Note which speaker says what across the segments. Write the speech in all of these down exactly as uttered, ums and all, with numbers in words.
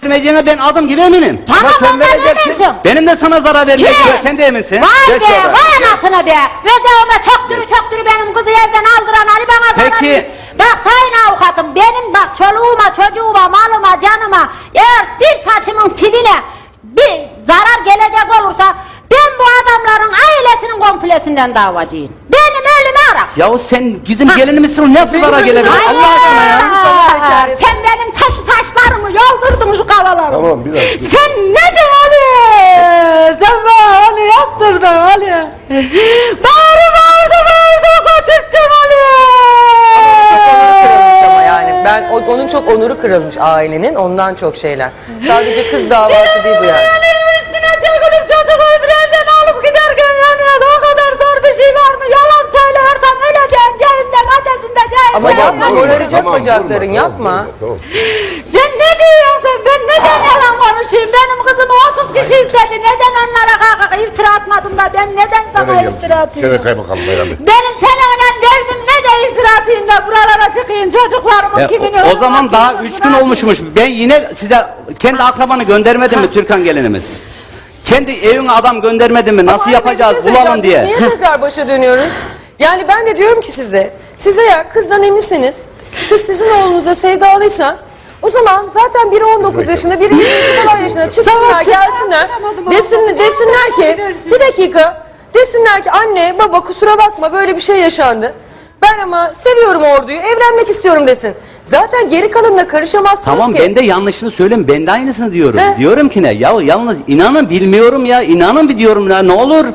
Speaker 1: vermeyeceğine ben adım gibi eminim.
Speaker 2: Tamam
Speaker 3: sen
Speaker 2: ondan
Speaker 3: vereceksin.
Speaker 2: eminsin.
Speaker 1: Benim de sana zarar vermeyeceğine sen de eminsin.
Speaker 2: Vay
Speaker 3: Geç
Speaker 2: be,
Speaker 3: oraya.
Speaker 2: vay anasını be. Özelime çöktürü çöktürü benim kızı evden aldıran Ali bana zarar
Speaker 1: Peki.
Speaker 2: ver- Bak sayın avukatım, benim bak çoluğuma, çocuğuma, malıma, canıma eğer bir saçımın tiline bir zarar gelecek olursa ben bu adamların ailesinin komplesinden davacıyım. Benim ölümü ara.
Speaker 1: Yahu sen bizim gelinimizsin, nasıl zarar gelebilir
Speaker 2: Hayır.
Speaker 1: Allah aşkına ya?
Speaker 2: Aa, sen benim saç saçlarımı yoldurdun şu kavalarımı.
Speaker 3: Tamam, biraz, biraz.
Speaker 2: Sen ne de Ali? Sen bana Ali yaptırdın Ali. Bağırı bağırdı bağırdı götürttün Ali.
Speaker 4: Çok onuru kırılmış ama yani. Ben o- onun çok onuru kırılmış ailenin, ondan çok şeyler. Sadece kız davası değil bu yani.
Speaker 2: Üstüne çökülüp çocuğu bir evden alıp giderken yanıyordu. O kadar zor bir şey var mı? Yalan söylersem öleceğim cehennem ateşinde cehennem.
Speaker 4: Ama yapma,
Speaker 3: Vurma,
Speaker 4: moraracak
Speaker 3: tamam,
Speaker 4: bacakların,
Speaker 3: vurma,
Speaker 4: yapma.
Speaker 3: tamam, tamam.
Speaker 2: Sen ne diyorsun? Ben neden yalan konuşayım? Benim kızımı otuz kişi istedi. Neden onlara kalkıp iftira atmadım da ben neden sana
Speaker 3: Nereye
Speaker 2: iftira
Speaker 3: geldi?
Speaker 2: atayım?
Speaker 3: Gene kaymakam Mehmet.
Speaker 2: Benim seninle derdim ne de iftira atayım da buralara çıkayım çocuklarımın
Speaker 1: E,
Speaker 2: kimini
Speaker 1: o, o
Speaker 2: ölüm
Speaker 1: zaman daha
Speaker 2: hakkını
Speaker 1: üç gün
Speaker 2: bırak-
Speaker 1: olmuşmuş. Ben yine size kendi akrabanı göndermedim mi Türkan gelinimiz? Kendi evine adam göndermedim mi? Nasıl
Speaker 4: Ama anne, bir
Speaker 1: yapacağız
Speaker 4: şey
Speaker 1: bulalım
Speaker 4: söyleyeceğim.
Speaker 1: diye.
Speaker 4: Biz niye tekrar başa dönüyoruz? Yani ben de diyorum ki size, size ya kızdan eminseniz, kız sizin oğlunuza sevdalıysa, o zaman zaten biri on dokuz yaşında, biri yirmi falan yaşında çıksınlar, gelsinler, desin, desinler ki, bir dakika, desinler ki anne, baba kusura bakma böyle bir şey yaşandı. Ben ama seviyorum orduyu, evlenmek istiyorum desin. Zaten geri kalanına karışamazsınız
Speaker 1: Tamam
Speaker 4: ki.
Speaker 1: ben de yanlışını söyleyeyim. Ben de aynısını diyorum.
Speaker 4: He?
Speaker 1: Diyorum ki ne? Ya yalnız inanın bilmiyorum ya. İnanın bir diyorum ya ne olur.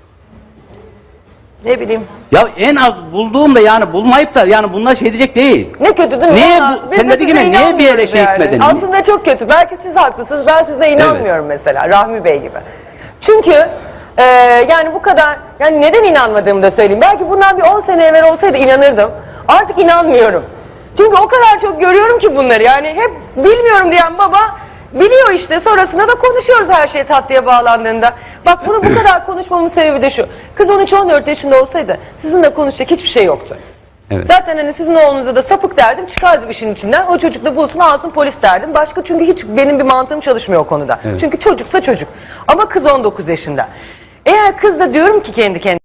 Speaker 4: Ne bileyim.
Speaker 1: Ya en az bulduğumda yani bulmayıp da yani bunlar şey diyecek değil.
Speaker 5: Ne kötü değil mi?
Speaker 1: Niye
Speaker 5: Vallahi
Speaker 1: bu-
Speaker 5: biz
Speaker 1: sen
Speaker 5: de
Speaker 1: dedin
Speaker 5: size
Speaker 1: ki ne, niye bir yere
Speaker 5: inanmıyoruz
Speaker 1: şey gitmedin?
Speaker 5: Aslında çok kötü. Belki siz haklısınız. Ben size inanmıyorum mesela Rahmi Bey gibi. Çünkü e, yani bu kadar yani neden inanmadığımı da söyleyeyim. Belki bundan bir on sene evvel olsaydı inanırdım. Artık inanmıyorum. Çünkü o kadar çok görüyorum ki bunları. Yani hep bilmiyorum diyen baba biliyor işte. Sonrasında da konuşuyoruz her şey tatlıya bağlandığında. Bak bunu bu kadar konuşmamın sebebi de şu. Kız on üç on dört yaşında olsaydı sizinle konuşacak hiçbir şey yoktu.
Speaker 1: Evet.
Speaker 5: Zaten hani sizin oğlunuza da sapık derdim, çıkardım işin içinden. O çocuk da bulsun alsın polis derdim. Başka çünkü hiç benim bir mantığım çalışmıyor o konuda.
Speaker 1: Evet.
Speaker 5: Çünkü çocuksa çocuk. Ama kız on dokuz yaşında. Eğer kız da diyorum ki kendi kendine